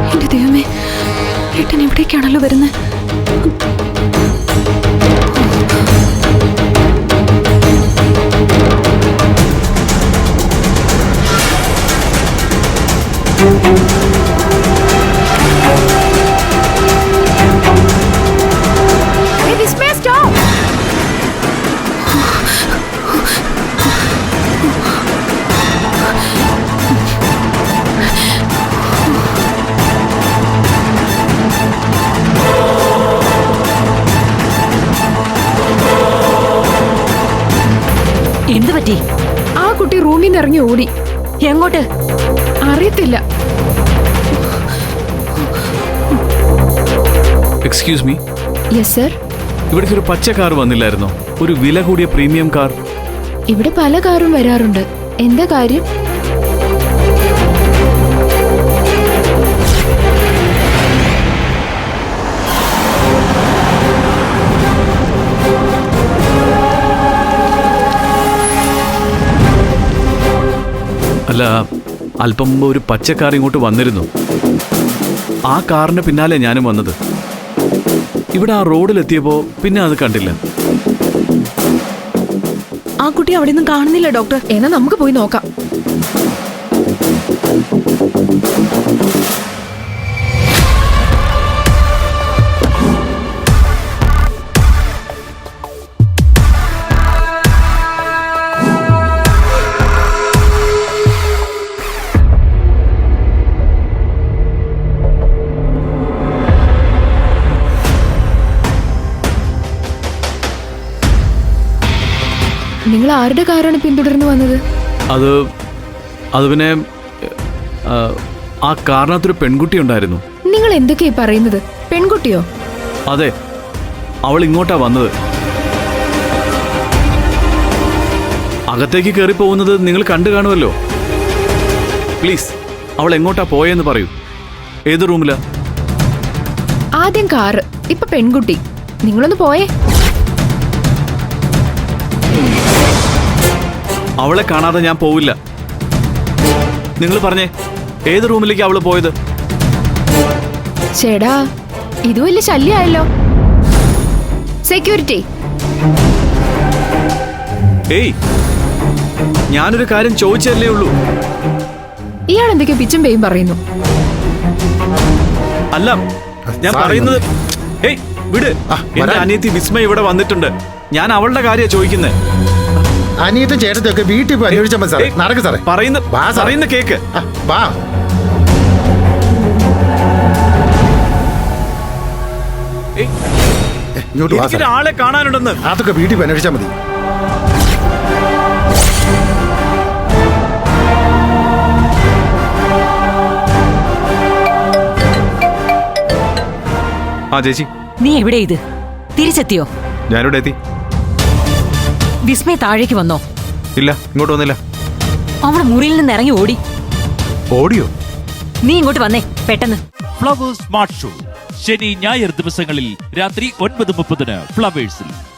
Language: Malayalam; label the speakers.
Speaker 1: എന്റെ ദൈവമേ, ഏട്ടൻ എവിടേക്കാണല്ലോ വരുന്നത്?
Speaker 2: എന്ത് പറ്റി?
Speaker 1: ആ കുട്ടി റൂമിൽ നിന്ന് ഇറങ്ങി ഓടി.
Speaker 2: എങ്ങോട്ട്
Speaker 1: അറിയത്തില്ല.
Speaker 3: Excuse me.
Speaker 1: Yes sir.
Speaker 3: ഇവിടേക്ക് ഒരു പച്ച കാർ വന്നില്ലായിരുന്നോ? ഒരു വില കൂടിയ പ്രീമിയം കാർ.
Speaker 1: ഇവിടെ പല കാറും വരാറുണ്ട്. എന്താ കാര്യം?
Speaker 3: അല്ല, അല്പം മുമ്പ് ഒരു പച്ച കാർ ഇങ്ങോട്ട് വന്നിരുന്നു. ആ കാറിന് പിന്നാലെ ഞാനും വന്നത്. ഇവിടെ ആ റോഡിലെത്തിയപ്പോ പിന്നെ അത് കണ്ടില്ല.
Speaker 1: ആ കുട്ടി അവിടെ ഒന്നും കാണുന്നില്ല ഡോക്ടർ. എന്നാ നമുക്ക് പോയി നോക്കാം. നിങ്ങൾ ആരുടെ കാറാണ് പിന്തുടർന്ന് വന്നത്?
Speaker 3: അത് പിന്നെ ആ കാറിനകത്തൊരു പെൺകുട്ടി ഉണ്ടായിരുന്നു.
Speaker 1: നിങ്ങൾ എന്തൊക്കെയാ പറയുന്നത്? പെൺകുട്ടിയോ?
Speaker 3: അതെ, അവൾ ഇങ്ങോട്ടാ വന്നത്. അകത്തേക്ക് കയറി പോകുന്നത് നിങ്ങൾ കണ്ടു കാണുമല്ലോ. പ്ലീസ്, അവൾ എങ്ങോട്ടാ പോയെന്ന് പറയൂ. ഏത് റൂമിലാ?
Speaker 1: ആദ്യം കാറ്, ഇപ്പൊ പെൺകുട്ടി. നിങ്ങളൊന്ന് പോയേ.
Speaker 3: അവളെ കാണാതെ ഞാൻ പോവില്ല. നിങ്ങൾ പറഞ്ഞേ, ഏത് റൂമിലേക്ക് അവള് പോയത്?
Speaker 1: ചേടാ, ഇത് വലിയ ശല്യമായല്ലോ. സെക്യൂരിറ്റി.
Speaker 3: ഏയ്, ഞാനൊരു കാര്യം ചോദിച്ചല്ലേ ഉള്ളൂ.
Speaker 1: ഇയാൾ എന്തൊക്കെയോ പിച്ചും പേയും പറയുന്നു.
Speaker 3: അല്ല, ഞാൻ പറയുന്നത്. ഏയ് വിട്. എന്റെ അനിയത്തി വിസ്മയ ഇവിടെ വന്നിട്ടുണ്ട്. ഞാൻ അവളുടെ കാര്യമാണ് ചോദിക്കുന്നത്.
Speaker 4: അനിയത്തെ ചേട്ടത്തൊക്കെ വീട്ടിൽ പോയി അന്വേഷിച്ചാൽ മതി സാറേ. നടക്ക് സാറേ.
Speaker 3: പറയുന്ന കേക്ക്.
Speaker 4: വാ.
Speaker 3: ആളെ കാണാനുണ്ടെന്ന്.
Speaker 4: അതൊക്കെ വീട്ടിൽ പോയി അന്വേഷിച്ചാൽ മതി.
Speaker 3: ആ ചേച്ചി,
Speaker 2: നീ എവിടെ? ഇത് തിരിച്ചെത്തിയോ?
Speaker 3: ഞാനിവിടെ എത്തി.
Speaker 2: വിസ്മയ താഴേക്ക് വന്നോ?
Speaker 3: ഇല്ല, ഇങ്ങോട്ട് വന്നില്ല.
Speaker 2: അവളെ മുറിയിൽ നിന്ന് ഇറങ്ങി ഓടി.
Speaker 3: ഓടിയോ?
Speaker 2: നീ ഇങ്ങോട്ട് വന്നേ പെട്ടെന്ന്.
Speaker 5: ഫ്ലവേഴ്സ് സ്മാർട്ട് ഷോ ശനി ഞായർ ദിവസങ്ങളിൽ രാത്രി 9:30 ഫ്ലവേഴ്സിൽ.